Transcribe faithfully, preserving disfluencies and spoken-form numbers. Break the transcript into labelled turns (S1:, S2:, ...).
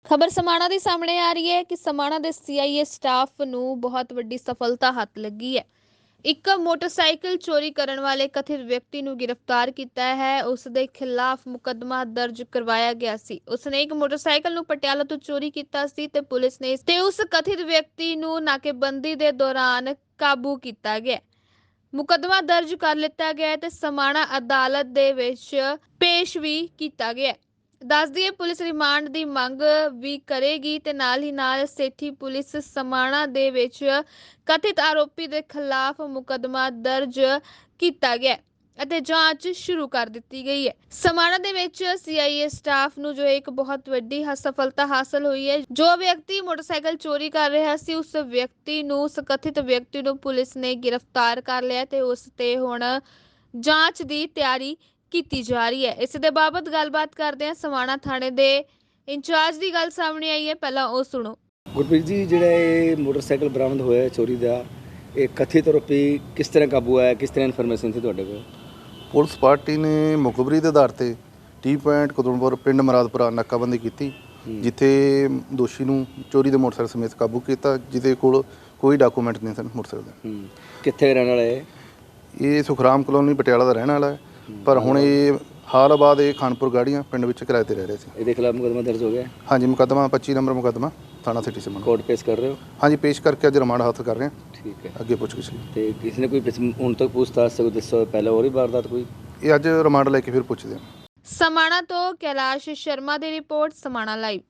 S1: ਖਬਰ ਸਮਾਣਾ ਦੇ ਸਾਹਮਣੇ ਆ ਰਹੀ ਹੈ ਕਿ ਸਮਾਣਾ ਦੇ ਸੀ ਆਈ ਏ ਸਟਾਫ ਨੂੰ ਬਹੁਤ ਵੱਡੀ ਸਫਲਤਾ ਹੱਥ ਲੱਗੀ ਹੈ। ਇੱਕ ਮੋਟਰਸਾਈਕਲ ਚੋਰੀ ਕਰਨ ਵਾਲੇ ਕਥਿਤ ਵਿਅਕਤੀ ਨੂੰ ਗ੍ਰਿਫਤਾਰ ਕੀਤਾ ਹੈ। ਉਸ ਦੇ ਖਿਲਾਫ ਮੁਕੱਦਮਾ ਦਰਜ ਕਰਵਾਇਆ ਗਿਆ ਸੀ। ਉਸਨੇ ਇੱਕ ਮੋਟਰਸਾਈਕਲ ਨੂੰ ਪਟਿਆਲਾ ਤੋਂ ਚੋਰੀ ਕੀਤਾ ਸੀ ਤੇ ਪੁਲਿਸ ਨੇ ਤੇ ਉਸ ਕਥਿਤ ਵਿਅਕਤੀ ਨੂੰ ਨਾਕੇਬੰਦੀ ਦੇ ਦੌਰਾਨ ਕਾਬੂ ਕੀਤਾ ਗਿਆ। ਮੁਕੱਦਮਾ ਦਰਜ ਕਰ ਲਿੱਤਾ ਗਿਆ ਤੇ ਸਮਾਣਾ ਅਦਾਲਤ ਦੇ ਵਿੱਚ ਪੇਸ਼ ਵੀ ਕੀਤਾ ਗਿਆ। ਦੱਸ ਦਈਏ ਪੁਲਿਸ ਰਿਮਾਂਡ ਦੀ ਮੰਗ ਵੀ ਕਰੇਗੀ ਤੇ ਨਾਲ ਹੀ ਨਾਲ ਸੇਠੀ ਪੁਲਿਸ ਸਮਾਣਾ ਦੇ ਵਿੱਚ ਕਥਿਤ ਆਰੋਪੀ ਦੇ ਖਿਲਾਫ ਮੁਕੱਦਮਾ ਦਰਜ ਕੀਤਾ ਗਿਆ ਅਤੇ ਜਾਂਚ ਸ਼ੁਰੂ ਕਰ ਦਿੱਤੀ ਗਈ ਹੈ। ਸਮਾਣਾ ਦੇ ਵਿੱਚ ਸੀ ਆਈ ਏ ਸਟਾਫ ਨੂੰ ਜੋ ਇੱਕ ਬਹੁਤ ਵੱਡੀ ਸਫਲਤਾ ਹਾਸਲ ਹੋਈ ਹੈ। ਜੋ ਵਿਅਕਤੀ ਮੋਟਰਸਾਈਕਲ ਚੋਰੀ ਕਰ ਰਿਹਾ ਸੀ ਉਸ ਵਿਅਕਤੀ ਨੂੰ ਉਸ ਕਥਿਤ ਵਿਅਕਤੀ ਨੂੰ ਪੁਲਿਸ ਨੇ ਗ੍ਰਿਫਤਾਰ ਕਰ ਲਿਆ ਤੇ ਉਸ ਤੇ ਹੁਣ ਜਾਂਚ ਦੀ ਤਿਆਰੀ ਕੀਤੀ ਜਾ ਰਹੀ ਹੈ। ਇਸ ਦੇ ਬਾਬਤ ਗੱਲਬਾਤ ਕਰਦੇ ਹਾਂ। ਸਮਾਣਾ ਥਾਣੇ ਦੇ ਇੰਚਾਰਜ ਦੀ ਗੱਲ ਸਾਹਮਣੇ ਆਈ ਹੈ, ਪਹਿਲਾਂ ਉਹ ਸੁਣੋ।
S2: ਗੁਰਪ੍ਰੀਤ ਜੀ, ਜਿਹੜਾ ਇਹ ਮੋਟਰਸਾਈਕਲ ਬਰਾਮਦ ਹੋਇਆ ਚੋਰੀ ਦਾ, ਇਹ ਕਥਿਤ ਆਰੋਪੀ ਕਿਸ ਤਰ੍ਹਾਂ ਕਾਬੂ ਆਇਆ, ਕਿਸ ਤਰ੍ਹਾਂ ਇਨਫੋਰਮੇਸ਼ਨ ਸੀ ਤੁਹਾਡੇ ਕੋਲ?
S3: ਪੁਲਿਸ ਪਾਰਟੀ ਨੇ ਮੁਖਬਰੀ ਦੇ ਆਧਾਰ ਤੇ ਟੀ ਪੁਆਇੰਟ ਕਦੂਮਪੁਰ ਪਿੰਡ ਮਰਾਦਪੁਰਾ ਨਾਕਾਬੰਦੀ ਕੀਤੀ, ਜਿੱਥੇ ਦੋਸ਼ੀ ਨੂੰ ਚੋਰੀ ਦੇ ਮੋਟਰਸਾਈਕਲ ਸਮੇਤ ਕਾਬੂ ਕੀਤਾ, ਜਿਹਦੇ ਕੋਲ ਕੋਈ ਡਾਕੂਮੈਂਟ ਨਹੀਂ ਸਨ ਮੋਟਰਸਾਈਕਲ ਦੇ।
S2: ਕਿੱਥੇ ਰਹਿਣ ਵਾਲਾ ਹੈ?
S3: ਇਹ ਸੁਖਰਾਮ ਕਲੋਨੀ ਪਟਿਆਲਾ ਦਾ ਰਹਿਣ ਵਾਲਾ ਹੈ, ਪਰ ਹੁਣ ਇਹ ਹਾਲ ਬਾਅਦ ਇਹ ਖਾਨਪੁਰ ਗਾੜੀਆਂ ਪਿੰਡ ਵਿੱਚ ਕਿਰਾਏ ਤੇ ਰਹਿ ਰਹੇ ਸੀ।
S2: ਇਹਦੇ ਖਿਲਾਫ ਮੁਕੱਦਮਾ ਦਰਜ ਹੋ ਗਿਆ?
S3: ਹਾਂਜੀ, ਮੁਕੱਦਮਾ ਪੱਚੀ ਨੰਬਰ ਮੁਕੱਦਮਾ ਥਾਣਾ ਸਿਟੀ ਸਮਾਣਾ
S2: ਕੋਰਟ ਪੇਸ਼ ਕਰ ਰਹੇ ਹੋ?
S3: ਹਾਂਜੀ, ਪੇਸ਼ ਕਰਕੇ ਅੱਜ ਰਿਮਾਂਡ ਹਾਸਲ ਕਰ ਰਹੇ ਹਾਂ।
S2: ਠੀਕ ਹੈ,
S3: ਅੱਗੇ ਪੁੱਛਗਿੱਛ ਲਈ।
S2: ਤੇ ਕਿਸੇ ਨੇ ਕੋਈ ਪਿਛ- ਹੁਣ ਤੱਕ ਪੁੱਛਤਾਛ ਕੋਈ ਦੱਸੋ, ਪਹਿਲਾਂ ਹੋਰ ਵੀ ਵਾਰਦਾਤ ਕੋਈ?
S3: ਇਹ ਅੱਜ ਰਿਮਾਂਡ ਲੈ ਕੇ ਫਿਰ ਪੁੱਛਦੇ ਹਾਂ।
S1: ਸਮਾਣਾ ਤੋਂ ਕੈਲਾਸ਼ ਸ਼ਰਮਾ ਦੀ ਰਿਪੋਰਟ, ਸਮਾਣਾ ਲਾਈਵ।